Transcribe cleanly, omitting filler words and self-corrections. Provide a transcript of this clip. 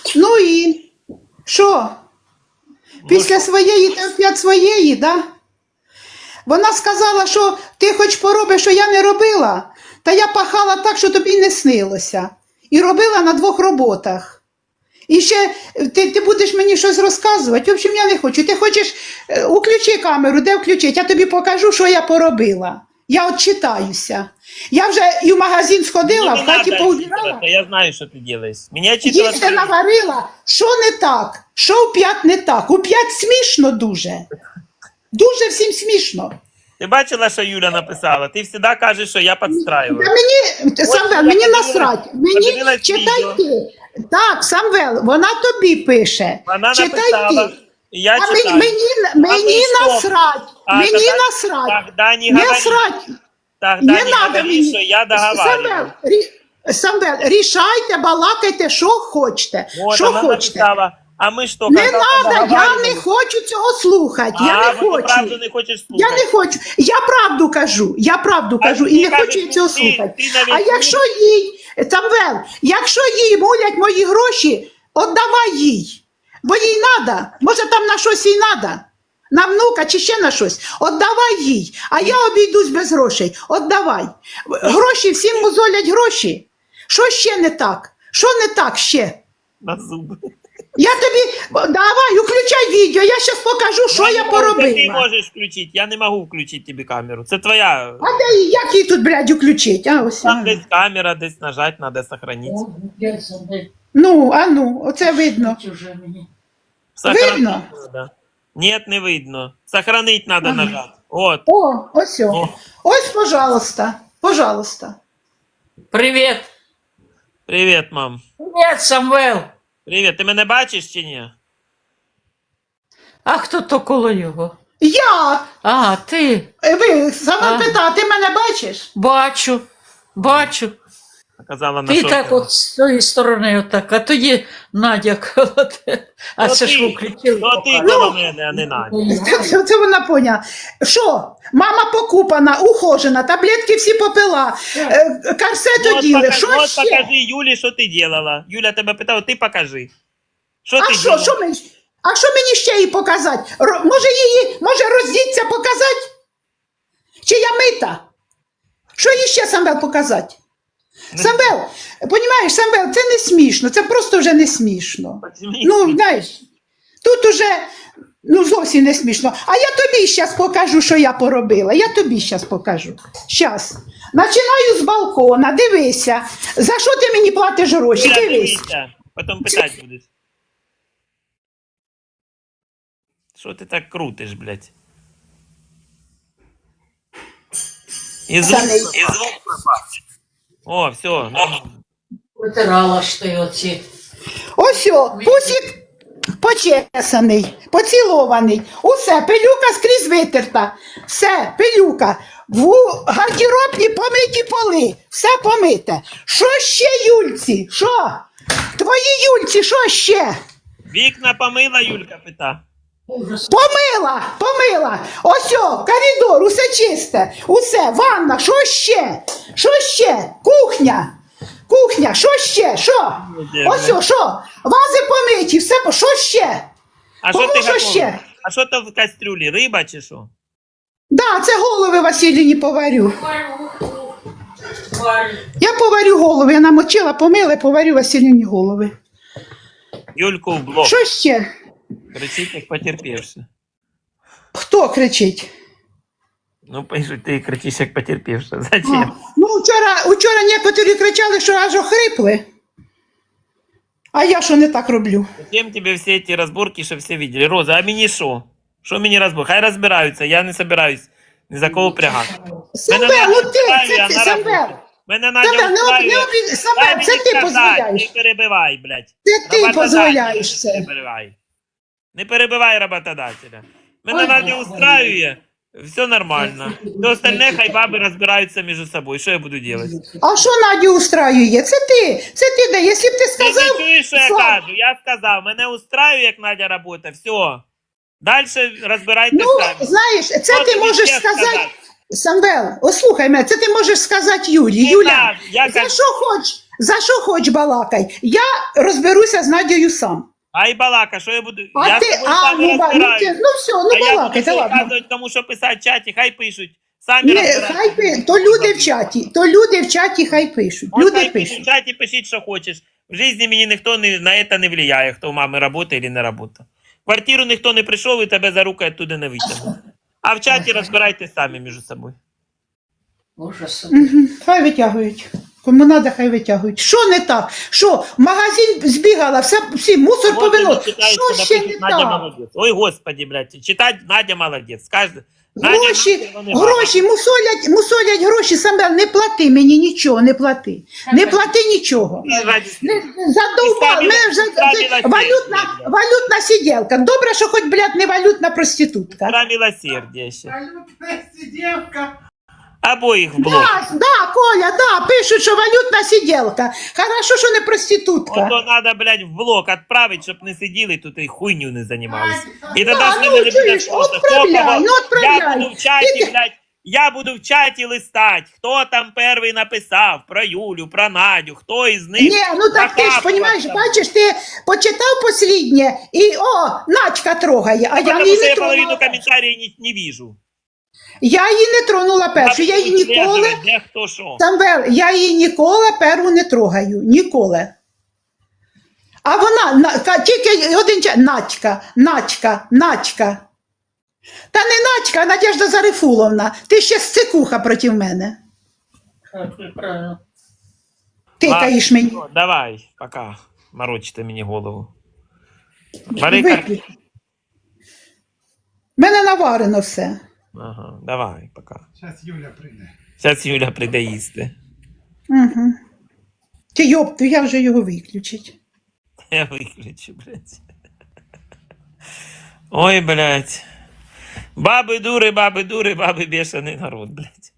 Ну і що? Після своєї ти опять своєї, да? Вона сказала, що ти хоч поробиш, що я не робила, та я пахала так, що тобі не снилося. І робила на 2 роботах. І ще ти будеш мені щось розказувати. В общем, я не хочу. Ти хочеш, включи камеру, де включити? Я тобі покажу, що я поробила. Я от читаюся. Я вже і в магазин сходила, в хаті поубирала. Я знаю, що ти робиш. Їсти наварила. Що не так? Що у 5 не так? У 5 смішно дуже. Дуже всім смішно. Ти бачила, що Юля написала? Ти завжди кажеш, що я підстраюю. Та мені, Самвел, мені насрать. Мені читай ти. Так, Самвел, вона тобі пише. Вона читай написала, ти. я А читаю. мені насрать. Мені насрать. Тогда не Не говори. срать. Тогда Не не надо говори, що мені. я договариваю. Самвел, рішайте, балакайте, що хочете. Вот, Що она хочете. написала, а ми що, Не когда-то надо, я договаривались? не хочу цього слухати. Я не ти хочу. правду не хочеш Я слухати. не хочу. Я правду кажу. Я правду кажу ти і не кажеш, хочу я цього ти слухати. навіть А якщо їй, Самвел, якщо їй мулять мої гроші, віддавай їй. Бо їй треба. Може там на щось їй треба. На внука чи ще на щось. Віддавай їй. А я обійдусь без грошей. Віддавай. Гроші, всім мозолять гроші. Що ще не так? Що не так ще? На зуби. Я тобі, давай, включай відео, я зараз покажу, що я Ти поробила. можеш включити, я не можу включити тобі камеру. Це твоя. А де її, як її тут, блядь, включить? А, ось. Там десь камера, десь нажать, треба сохранити. Ну, оце видно. Видно? Надо. Ні, не видно. Сохранить треба нажати. От. О, ось. О. Ось, пожалуйста, пожалуйста. Привіт. Привіт, мам. Привіт, Самвел. Привіт. Ти мене бачиш чи ні? А хто то коло його? Я, А, ти. ви, саме А. пита, ти мене бачиш? Бачу. Бачу. Казала на Ти що. так от з тої сторони отак, а тоді Надя коло тебе. А То це ж ти- ви включили. То ти коло мене, а не Надя. Це вона поняла. Що? Мама покупана, ухожена, таблетки всі попила, корсет оділи, що От ще? покажи Юлі, що ти робила. Юля тебе питала, ти покажи. Що А ти що, робила? а що мені ще їй показати? Може роздіться показати? Чи я мита? Що їй ще, Самвел, показати? Самвел, понімаєш, Самвел, це не смішно, це просто вже не смішно. Ну, знаєш, тут уже, зовсім не смішно. А я тобі зараз покажу, що я поробила. Я тобі зараз покажу. Щас. Починаю з балкона, дивися. За що ти мені платиш гроші? Юля, Дивись. дивися, потім питати будеш. Що ти так крутиш, блядь? І звук, Та не- і звук пропав. О, все. Витирала ж ти оці. Ось, пусік почесаний, поцілований. Усе, пилюка скрізь витерта. Все, пилюка. В гардеробні помиті поли. Все помите. Що ще, Юльці? Що? Твої Юльці, що ще? Вікна помила, Юлька пита. Помила. Ось, коридор, усе чисте. Усе, ванна, що ще? Що ще? Кухня, що ще? Що? Ось, що? Вази помиті, все, що ще? А що ти Кому що готова? ще? А що то в кастрюлі? Риба чи що? Да, це голови Василіні поварю. Я поварю голови, я намочила, помила, поварю Василіні голови. Юльку в блок. Що ще? Кричить, як потерпівши. Хто кричить? Ну, пишуть, ти кричиш, як потерпівши. Зачем? Ну, вчора некоторі кричали, що аж охрипли. А я що не так роблю? Зачем тебе всі ці розборки, що всі видели? Роза, а мені що? Що мені розборки? Хай розбираються, я не собираюсь ні за кого прягати. Самвел, ну ти, це ти, Самвел. Мене Надя Самвел, устраює. Самвел, це ти дозволяєш. Не перебивай, блядь. Це ти Роботодателя, дозволяєш це. Не перебивай. Не перебивай роботодателя. Мене Надя устраює, все нормально. До остальне хай баби розбираються між собою. Що я буду робити? А що Надю устраює? Це ти де? Якщо б ти Ти сказав... не чуєш, що я Слав, кажу? Я сказав, мене устраює, як Надя робота, все. Далі розбирайтеся Ну, самі. знаєш, це Що ти тобі можеш ще сказати... Самвел, ослухай мене, це ти можеш сказати Юлі. Не Юля, так, я за кажу- що хочеш? За що хоч балакай? Я розберуся з Надією сам. Ай, балака, що я буду? А Я ти, з тобою сам не розбираюсь. ну все, ну А я буду балакайте, що ладно. вказувати, кому що писати в чаті, хай пишуть. Самі Не, розбираються. то люди в чаті хай пишуть. От Люди хай пишуть в пишуть. чаті, пишіть, що хочеш. В житті мені ніхто на це не влияє, хто у мами працює чи не працює. В квартиру ніхто не прийшов і тебе за руку оттуда не витягнув. А в чаті розбирайтесь самі між собою. Ужас. Хай витягують. Кому треба, хай витягують. Що не так? Що, в магазин збігала, всі мусор Вот повинно. они читают, Що когда ще пишут, не Надя так? молодец. Ой, господи, блядь, читать Надя молодец. Каждый. Гроші, мусолять гроші, Самвел, не плати мені нічого, не плати. Не плати нічого. Задовбав, мене вже це валютна сиділка. Добре, що хоч, блядь, не валютна проститутка. Про милосердие ще. Валютная сиделка. Обоих в блок. Да, Коля, да, пишуть, що валютна сиділка. Хорошо, що не проститутка. Ото надо, блядь, в блок отправить, щоб не сиділи тут і хуйню не займалися. І тоді Да, з ну, ними не буде чуєш, просто. отправляй, ну, отправляй. Я буду в чаті, блядь, я буду в чаті листать, хто там перший написав про Юлю, про Надю, хто із них. Ні, ну так ти ж, накапував розумієш, там. бачиш, ти почитав посліднє і, Надька трогає, а я Потому її що не я половину тронула. комментариев не вижу. Я її не тронула першу, я її ніколи, Де хто що. Самвел, я її ніколи перву не трогаю, ніколи. А вона, тільки один час, Надька. Та не Надька, а Надежда Зарифуловна, ти ще сцикуха проти мене. Правильно. Тикаєш мені. Ладно, давай, пока. Морочите мені голову. Бери Виключи. Мене наварено все. Ага, давай, пока. Сейчас Юля прийде. Зараз Юля прийде їсти. Угу. Ти йопту, я вже його виключить. Я виключу, блядь. Ой, блядь. Баби дури, баби бешений народ, блядь.